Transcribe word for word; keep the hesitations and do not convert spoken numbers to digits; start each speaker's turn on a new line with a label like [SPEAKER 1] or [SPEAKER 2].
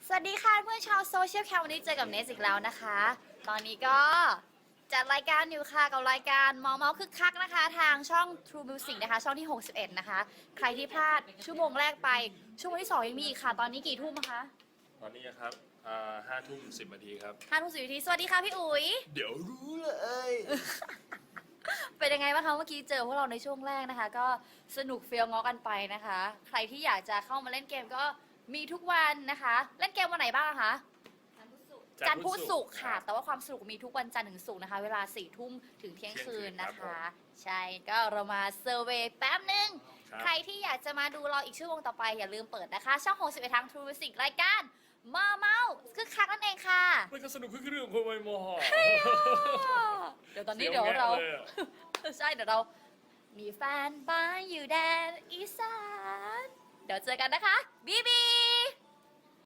[SPEAKER 1] สวัสดีค่ะเพื่อนชาวโซเชียลแคมวันนี้เจอกับเนสอีกแล้วนะคะ ตอนนี้ก็จัดรายการอยู่ค่ะกับรายการมอเมาคึกคักนะคะทางช่อง True Music นะคะช่องที่หกสิบเอ็ดนะคะใครที่พลาดชั่วโมงแรกไปชั่วโมงที่สองยังมีอีกค่ะตอนนี้กี่ทุ่มคะ
[SPEAKER 2] ตอนนี้นะครับห้าทุ่มสิบนาทีครับ
[SPEAKER 1] ห้าทุ่มสิบนาทีสวัสดีค่ะพี่อุ๋ย
[SPEAKER 2] เดี๋ยวรู้เลย
[SPEAKER 1] เป็นยังไงบ้างคะเมื่อกี้เจอพวกเราในช่วงแรกนะคะ ก็สนุกเฟี้ยวง้อกันไปนะคะ ใครที่อยากจะเข้ามาเล่นเกมก็มีทุกวันนะคะ เล่นเกมวันไหนบ้างคะ จันทร์พุธศุกร์ค่ะ แต่ว่าความสนุกมีทุกวันจันทร์ถึงศุกร์นะคะ เวลาสี่ทุ่มถึงเที่ยงคืนนะคะ ใช่ ก็เรามาเซอร์เวย์แป๊บนึง ใครที่อยากจะมาดูเราอีกชั่วโมงต่อไปอย่าลืมเปิดนะคะ ช่องหกสิบเอ็ดทาง True Music รายการมาเมาคึกคักนั่นเองค่ะ
[SPEAKER 2] มันก็สนุกขึ้นเรื่องของคนมอ
[SPEAKER 1] เดี๋ยวตอนนี้เดี๋ยวเรา ใช่เดี๋ยวเรามีแฟนบ้านอยู่แดนอีสาน เดี๋ยวเจอกันนะคะ บีบี